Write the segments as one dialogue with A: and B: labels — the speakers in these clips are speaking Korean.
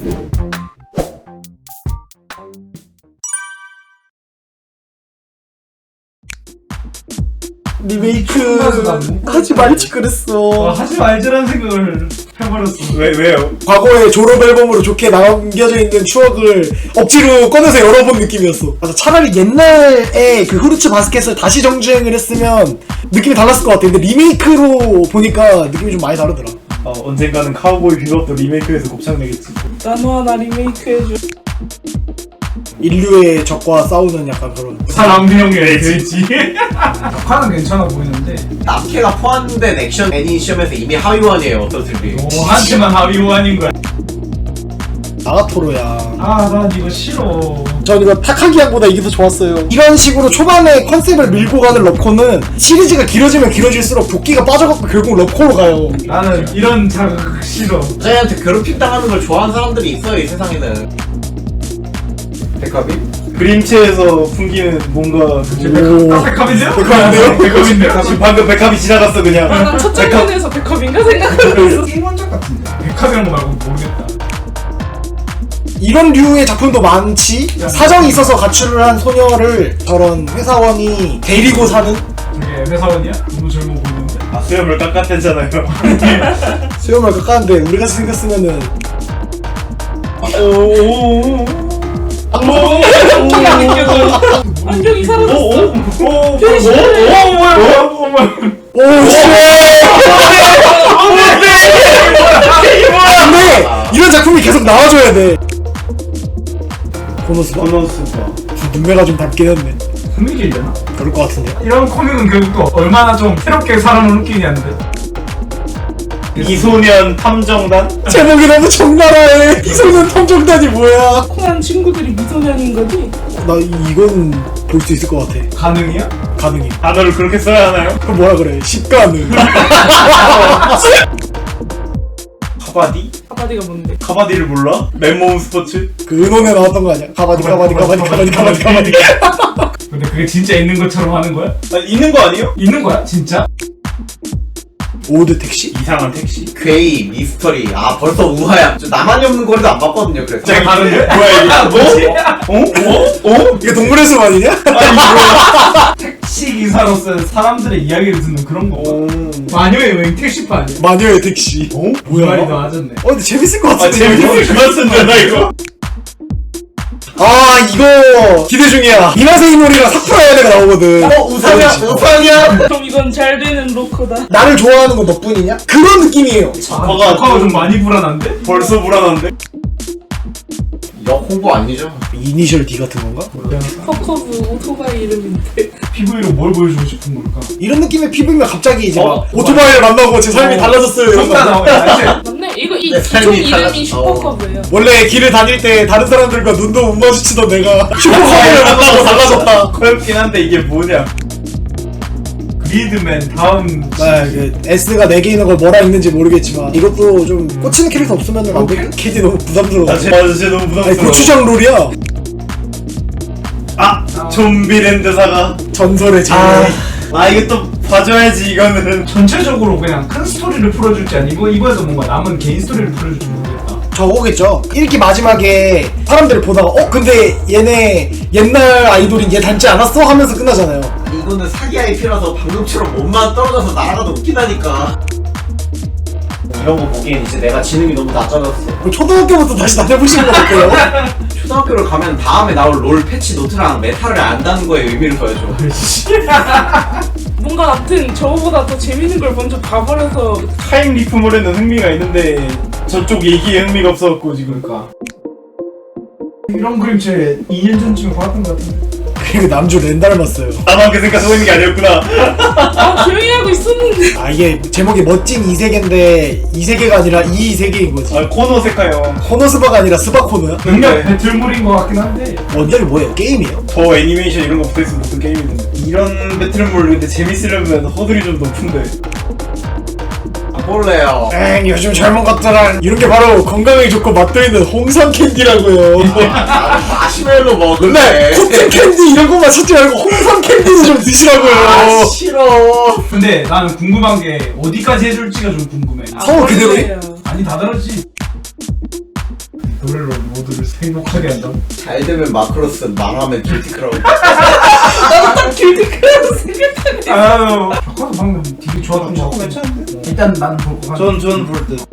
A: 리메이크 하지 말지 그랬어.
B: 하지 말자라는 생각을 해버렸어.
C: 왜요?
A: 과거에 졸업 앨범으로 좋게 남겨져 있는 추억을 억지로 꺼내서 열어본 느낌이었어. 맞아, 차라리 옛날에 그 후르츠 바스켓을 다시 정주행을 했으면 느낌이 달랐을 것 같아. 근데 리메이크로 보니까 느낌이 좀 많이 다르더라.
C: 언젠가는 카우보이 비밥도 리메이크해서 곱창내겠지.
D: 나노 하나 리메이크 해줘.
A: 인류의 적과 싸우는 약간 그런.
B: 사람명이 되지. 역할은 괜찮아 보이는데.
E: 남캐가 포함된 액션 애니 시험에서 이미 하위원이에요. 어떠실지.
B: 한테만 하위원인 거야.
A: 나가토로야.
B: 난 이거 싫어.
A: 전 이거 타카기양보다 이게 더 좋았어요. 이런 식으로 초반에 컨셉을 밀고 가는 러코는 시리즈가 길어지면 길어질수록 도끼가 빠져갖고 결국 러코로 가요.
B: 나는 이런 자극 싫어.
E: 여자한테 괴롭힘 당하는 걸 좋아하는 사람들이 있어요, 이 세상에는. 백합이?
C: 그림체에서 풍기는 뭔가
B: 백합인데요?
A: 백합인데요?
B: 백합인데요?
C: 지금 방금 백합이 지나갔어 그냥.
D: 나 첫 장면에서 백합인가 생각하고 있어.
B: 게임 원작 같은데. 백합이란 거 말고 모르겠다.
A: 이런 류의 작품도 많지. 사정이 있어서 가출을 한 소녀를 저런 회사원이 데리고 사는.
B: 저게 회사원이야? 너무 젊어 보이는데.
C: 수염을 깎았댔잖아요.
A: 수염을 깎았는데 우리같이 생겼으면은
D: 안경이 안 느껴져. 안경이 사라졌어.
A: 오씨. 근데 이런 작품이 계속 나와줘야 돼. 코노스바? 눈매가 좀 닮긴 했네.
B: 코믹이려나?
A: 그럴 것 같은데.
B: 이런 코믹은 결국 또 얼마나 좀 새롭게 사람을 웃기냐는데.
C: 이소년 탐정단?
A: 제목이 너무 적나라해. 이소년 탐정단이 뭐야?
D: 코난 친구들이 미소년인 거지?
A: 나 이건 볼 수 있을 것 같아.
B: 가능이야?
A: 가능해.
C: 단어를 그렇게 써야 하나요?
A: 그럼 뭐라 그래? 십가능.
C: 카바디?
D: 카바디가 뭔데?
C: 카바디를 몰라? 맨몸 스포츠?
A: 그 은혼에 나왔던 거 아니야? 가바디.
B: 근데 그게 진짜 있는 것처럼 하는 거야?
C: 있는 거 아니에요?
B: 있는 거야? 진짜?
A: 오드 택시?
C: 이상한 택시.
E: 괴이, 미스터리. 벌써 우하야. 저 나만이 없는 거리도 안 봤거든요, 그래서.
B: 제가 다른데?
C: 뭐야 이게? 뭐?
A: 이게 동물의 숲 아니냐?
B: 택시 기사로서 사람들의 이야기를 듣는 그런 거. 마녀의 여행 택시파 아니야?
A: 마녀의 택시.
B: 뭐야? 말이
A: 뭐야?
B: 맞았네.
A: 근데 재밌을 것 같은데.
C: 재밌어. 그만 쓴다 이거.
A: 이거 기대 중이야. 이나세 이모리랑 사쿠라 야네가 나오거든.
E: 우상이야?
D: 그럼 이건 잘 되는 로커다.
A: 나를 좋아하는 건 너뿐이냐? 그런 느낌이에요.
B: 조카가 좀 많이 불안한데?
C: 벌써 불안한데?
E: 역 홍보 아니죠?
A: 이니셜 D 같은 건가?
D: 퍼커브 오토바이 이름인데.
B: PV로 뭘 보여주고 싶은 걸까?
A: 이런 느낌의 피부면 갑자기 이제 막 오토바이를 만나고 제 삶이 달라졌어요. 이런
B: 정답
A: 거.
B: 나오네.
D: 맞네. 이거 이
E: 내
D: 기종
E: 삶이
D: 이름이
E: 달라졌어.
D: 슈퍼커브예요.
A: 원래 길을 다닐 때 다른 사람들과 눈도 못 마주치던 내가 슈퍼카를 만나고 달라졌다.
C: 커엽긴 한데 이게 뭐냐?
B: 리드맨 다음
A: S가 4개 있는 걸 뭐라 읽는지 모르겠지만 이것도 좀 꽂히는 캐릭터 없으면 안 돼. 캐디 너무 부담스러워.
C: 맞아, 쟤 너무
A: 아니
C: 부담스러워.
A: 고추장 롤이야.
C: 좀비랜드 사가.
A: 전설의 제일.
C: 이거 또 봐줘야지 이거는.
B: 전체적으로 그냥 큰 스토리를 풀어줄지 아니고 이거에서 뭔가 남은 개인 스토리를 풀어줄지 모르겠다.
A: 저거겠죠. 1기 마지막에 사람들을 보다가 근데 얘네 옛날 아이돌인 얘 닮지 않았어? 하면서 끝나잖아요.
E: 이거는 사기 IP라서 방금처럼 몸만 떨어져서 날아가도 웃기다니까. 이런 거 보기엔 이제 내가 지능이 너무 낮아졌어.
A: 그럼 초등학교부터 다시 다녀보시는 것 같아요.
E: 초등학교를 가면 다음에 나올 롤 패치 노트랑 메타를 안다는 거에 의미를 더해줘.
D: 뭔가 아무튼 저거보다 더 재밌는 걸 먼저 봐버려서
C: 타임 리프몰에는 흥미가 있는데 저쪽 얘기에 흥미가 없어갖고 지금.
B: 그러니까 이런 그림체 2년 전쯤에 봤던 것 같은데.
A: 그리고 남주 렌 닮았어요.
C: 나만 그 생각하고 있는 게 아니었구나.
D: 조용히 하고 있었는데.
A: 이게 제목이 멋진 이세계인데 이세계가 아니라 이세계인 거지.
C: 코노세카요.
A: 코노스바가 아니라 스바코노야?
B: 능력 배틀물인 것 같긴 한데.
A: 원작이 뭐예요? 게임이에요?
C: 더 애니메이션 이런 거 붙어있으면 무슨 게임이던데. 이런 배틀몰 근데 재밌으려면 허들이 좀 높은데.
E: 볼래요.
A: 요즘 젊은 것들은 이런 게 바로 건강에 좋고 맛도 있는 홍삼 캔디라고요.
E: 마시멜로
A: 근데
E: 먹을래.
A: 코튼 캔디 이런 거만 찾지 말고 홍삼 캔디도 좀 드시라고요.
E: 싫어.
B: 근데 나는 궁금한 게 어디까지 해줄지가 좀 궁금해.
A: 서울 그대로 해?
B: 아니 다 다르지. 노래로 모두를 행복하게 한다고?
E: 잘 되면 마크로스, 망하면 길티크라고.
D: 나도 딱 길티크라고 생각하네.
B: 아유 저거 방금 되게 좋았던 거
E: 저거
B: 같아.
E: 괜찮은데?
B: 일단 나는 볼거 같아.
C: 전 볼 듯.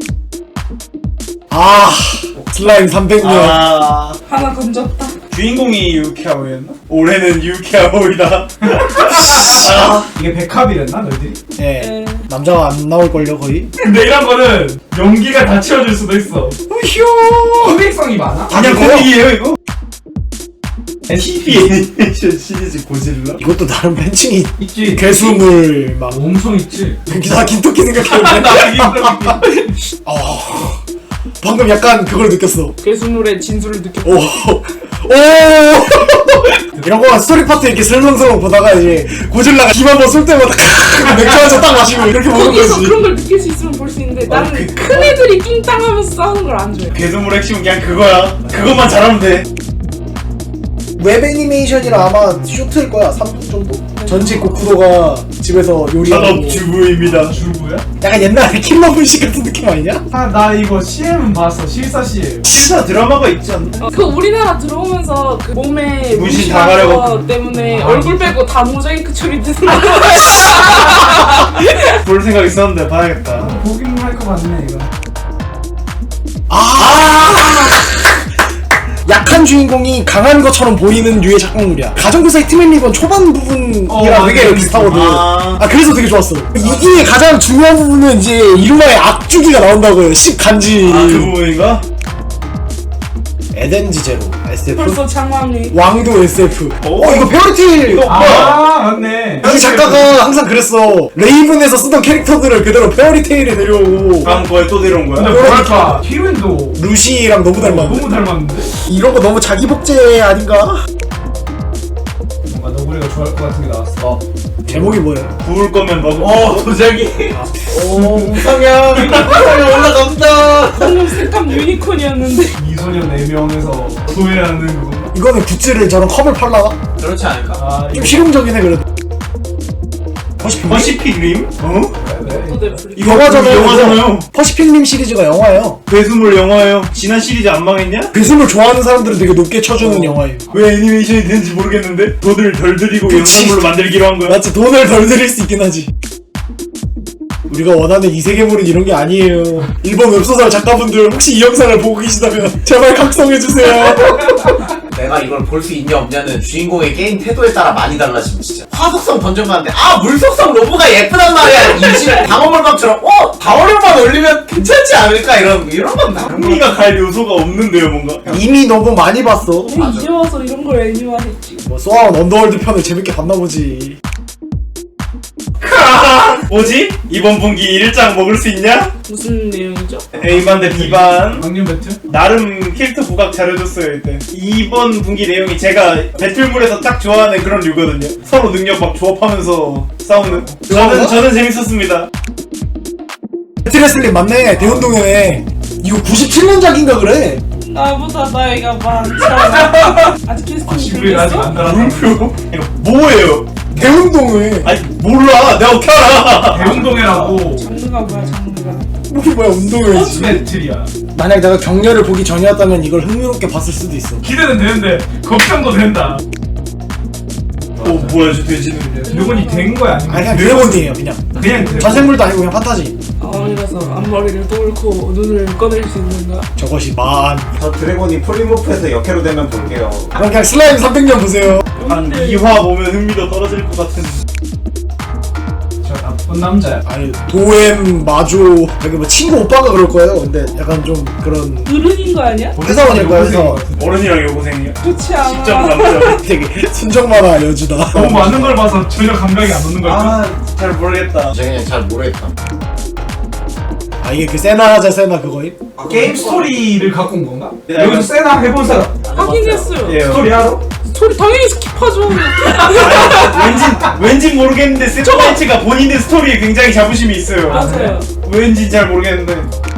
A: 아 슬라임 300년.
C: 아
D: 하나 건졌다.
C: 주인공이 유키아오였나? 올해는 유키아오이다.
B: 이게 백합이랬나 너희들이?
A: 예.
D: 예.
A: 남자가 안 나올걸요 거의?
B: 근데 이런 거는 연기가 다 채워줄 수도 있어.
A: 휴.
B: 코믹성이 많아?
C: 그냥
A: 이거요?
C: 코믹이에요 이거? TV 애니메이션 시리즈 고질라?
A: 이것도 나름 팬층이
B: 있지.
A: 괴수물 막
B: 엄청 있지.
A: 나 김토끼 생각했는데
B: 나
A: 방금 약간 그걸 느꼈어.
D: 괴수물의 진수를 느꼈다.
A: 오. 이런 거 스토리 파트 이렇게 슬렁슬렁 보다가 이제 고질라가 힘 한번 쏠 때마다 맥주 한 잔 딱 마시고 이렇게 보는
D: 거기서
A: 거지.
D: 그런 걸 느낄 수 있으면 볼 수 있는데 나는 큰 애들이 낑땅하면서 싸우는 걸 안 좋아해.
C: 괴수물 핵심은 그냥 그거야. 그것만 잘하면 돼.
A: 웹 애니메이션이라 아마 쇼트일 거야. 3분 정도. 전직 고쿠도가 집에서 요리하고.
C: 전업주부입니다.
B: 주부야?
A: 약간 옛날에 킬러 분식 같은 느낌 아니냐?
B: 아 나 이거 CM은 봤어. 실사 CM.
C: 실사 드라마가 있지 않나?
D: 그 우리나라 들어오면서 그 몸에
C: 문신 다
D: 문신한
C: 가려고.
D: 거 때문에 얼굴 빼고 다 모자이크 처리되는 거.
C: 볼 생각 있었는데 봐야겠다.
B: 보긴 할 거 같네 이거.
A: 약한 주인공이 강한 것처럼 보이는 류의 작품물이야. 가정교사의 트맨리건 초반 부분이랑 되게
B: 맞아.
A: 비슷하거든.
C: 아.
A: 그래서 되게 좋았어. 이게 가장 중요한 부분은 이제 이루마의 악주기가 나온다고요. 10간지.
C: 그 부분인가?
A: 에덴지 제로 SF.
D: 벌써 장황해.
A: 왕도 SF.
C: 오.
A: 이거 페어리테일.
B: 아 맞네.
A: 이 작가가 항상 그랬어. 레이븐에서 쓰던 캐릭터들을 그대로 페어리테일에 데려오고
C: 다음 거에 또 데려온
B: 근데
C: 거야?
B: 뭐랄까 히로인도
A: 루시랑 너무 닮았는데.
B: 너무 닮았는데?
A: 이런 거 너무 자기 복제 아닌가?
B: 뭔가 너구리가 좋아할 것 같은 게 나왔어.
A: 제목이 뭐예요?
C: 부을 거면 먹어.
E: 도자기. 오, 우상향. 우상향 올라갑니다.
D: 방금 색감 유니콘이었는데.
B: 미소년 4명에서 소외하는 그거.
A: 이거는 굿즈를 저런 컵을 팔라나?
E: 그렇지 않을까?
B: 아
A: 좀
B: 이거
A: 실용적인 해 그래도. 퍼시픽
C: 퍼시픽 림? 어?
B: 왜?
D: 또 넷플릭스.
C: 이거
A: 영화잖아요.
C: 영화잖아요.
A: 퍼시픽님 시리즈가 영화예요.
C: 괴수물 영화예요. 지난 시리즈 안 망했냐?
A: 괴수물 좋아하는 사람들은 되게 높게 쳐주는 영화예요.
C: 왜 애니메이션이 되는지 모르겠는데 돈을 덜 들이고
A: 그치.
C: 영상물로 만들기로 한 거야.
A: 맞지? 돈을 덜 들일 수 있긴 하지. 우리가 원하는 이 세계물은 이런 게 아니에요. 일본 웹소설 작가분들 혹시 이 영상을 보고 계시다면 제발 각성해주세요.
E: 내가 이걸 볼 수 있냐 없냐는 주인공의 게임 태도에 따라 많이 달라지면 진짜 화속성 던져봤는데 물속성 로브가 예쁘단 말이야. 이지를 방어물감처럼 방어력만 올리면 괜찮지 않을까 이런 건 나.
C: 흥미가 갈 요소가 없는데요 뭔가.
A: 이미 너무 많이 봤어.
D: 왜 이제 와서 이런 걸 애니화했지?
A: 뭐 소아원 언더월드 편을 재밌게 봤나 보지.
C: 뭐지? 이번 분기 1장 먹을 수 있냐?
D: 무슨 내용이죠?
C: A반 대 B반.
B: 강림 배틀?
C: 나름 캐릭터 부각 잘해줬어요 이때. 이번 분기 내용이 제가 배틀물에서 딱 좋아하는 그런 류거든요. 서로 능력 막 조합하면서 싸우는. 저는 재밌었습니다.
A: 배틀레슬링 맞네. 대운동회네. 이거 97년작인가 그래.
D: 나보다 나이가 많잖아. 아직 캐스팅이
B: 시부를 아직
D: 들렸어?
B: 안 달았다.
C: 물표? 이거 뭐예요?
A: 대운동회.
C: 아니 몰라. 내가 어떻게 알아?
B: 대운동회라고
D: 장르가 뭐야 장르가?
A: 뭐야 운동회지.
B: 스포츠 배틀이야.
A: 만약 내가 격려를 보기 전이었다면 이걸 흥미롭게 봤을 수도 있어.
B: 기대는 되는데 걱정도 된다.
C: 뭐야 저 돼지는.
B: 드래곤이 된 거야 아니면
A: 아니 그냥 드래곤이에요 그냥.
B: 그냥 드래곤.
A: 자생물도 아니고 그냥 판타지.
D: 어디가서 앞머리를 뚫고 눈을 꺼낼 수 있는가?
A: 저것이 만.
E: 저 드래곤이 폴리모프에서 역해로 되면 볼게요.
A: 그럼 그냥 슬라임 300년 보세요.
C: 한 2화 보면 흥미도 떨어질 것 같은.
B: 저 나쁜 남자야.
A: 아니 도엠 마조 여기 뭐 친구 오빠가 그럴 거예요. 근데 약간 좀 그런
D: 어른인 거 아니야?
A: 회사원일 거야 회사원.
C: 어른이랑 여고생이야.
D: 그렇지
C: 직접
D: 않아.
C: 남자.
A: 되게 순정만화 여주다.
B: 너무 많은 걸 봐서 전혀 감각이 안 오는 거야.
C: 잘 모르겠다.
E: 제가 그냥 잘 모르겠다.
A: 아 이게 그 세나하자 세나 그거임?
B: 게임 스토리를 갖고 온 건가?
C: 네,
B: 여기서 세나 해본 사람
D: 하긴 했어요.
C: 예.
B: 스토리 알아?
D: 스토리 당연히 스킵하죠.
C: 왠지 모르겠는데 세토마이츠가 본인의 스토리에 굉장히 자부심이 있어요.
D: 맞아요.
C: 왠지 잘 모르겠는데.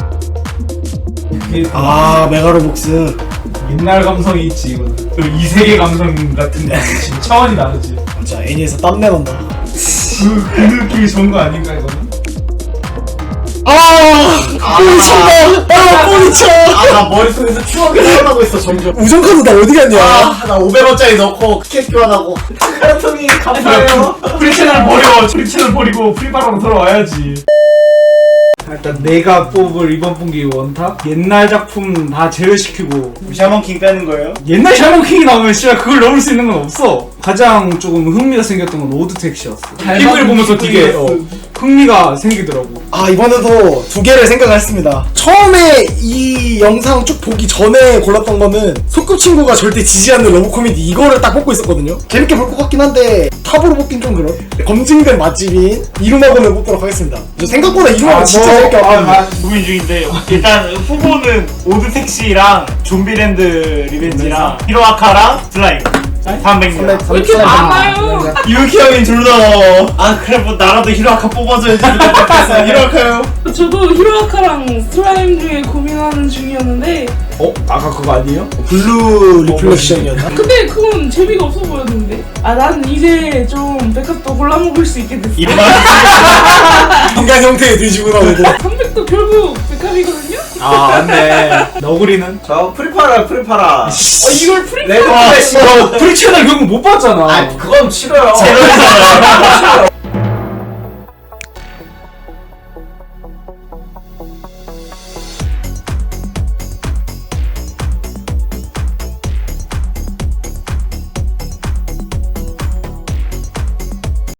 B: 그게
A: 아 메가로복스.
B: 옛날 감성이 있지 이거는. 또 이 세계 감성 같은 게 지금 차원이 다르지.
A: 진짜 애니에서 땀내 난다.
B: 그 느낌이 좋은 거 아닌가 이거는?
A: 뿌리친다. 뿌리쳐.
E: 나 머릿속에서 추억이 살아나고 있어 점점.
A: 우정카드 나 어디 갔냐?
E: 나 500원짜리 넣고 티켓 교환하고 카르통이 감사해요.
B: 프리채널 버려. 프리채널 버리고 프리바로 들어와야지. 일단 내가 뽑을 이번 분기 원탑 옛날 작품 다 제외시키고
C: 샤먼킹 빼는 거예요?
B: 옛날 샤먼킹이 나오면 씨발 그걸 넘을 수 있는 건 없어. 가장 조금 흥미가 생겼던 건 오드 택시였어. 피부를 보면서 되게 흥미가 생기더라고.
A: 아 이번에도 두 개를 생각을 했습니다. 처음에 이 영상 쭉 보기 전에 골랐던 거는 소꿉친구가 절대 지지 않는 러브 코미디 이거를 딱 뽑고 있었거든요. 재밌게 볼 것 같긴 한데 탑으로 뽑긴 좀 그런. 검증된 맛집인 이루마곤을 뽑도록 하겠습니다. 저 생각보다 이루마곤 진짜 재밌게 봤거든요.
C: 고민 중인데 일단 후보는 오드택시랑 좀비랜드 리벤지랑 히로아카랑 슬라임 300명.
D: 왜 이렇게 많아요?
C: 유키 형이 둘 다 그래 뭐 나라도 히로아카 뽑아줘야지 그랬어. 히로아카요.
D: 저도 히로아카랑 슬라임 중에 고민하는 중이었는데
B: 아까 그거 아니에요?
A: 블루 리플렉션이었나?
D: 근데 그건 재미가 없어 보였는데 난 이제 좀 백합도 골라먹을 수 있게 됐어.
C: 이만
A: 인간 형태의 뒤지고 나오고.
D: 300도 결국 백합이거든요?
B: 맞네. 너구리는?
E: 저 프리파라.
D: 이걸 프리
E: 레드 플래시.
B: 프리채널 결국 못 봤잖아.
E: 그건 싫어요.
C: 제로잖아요.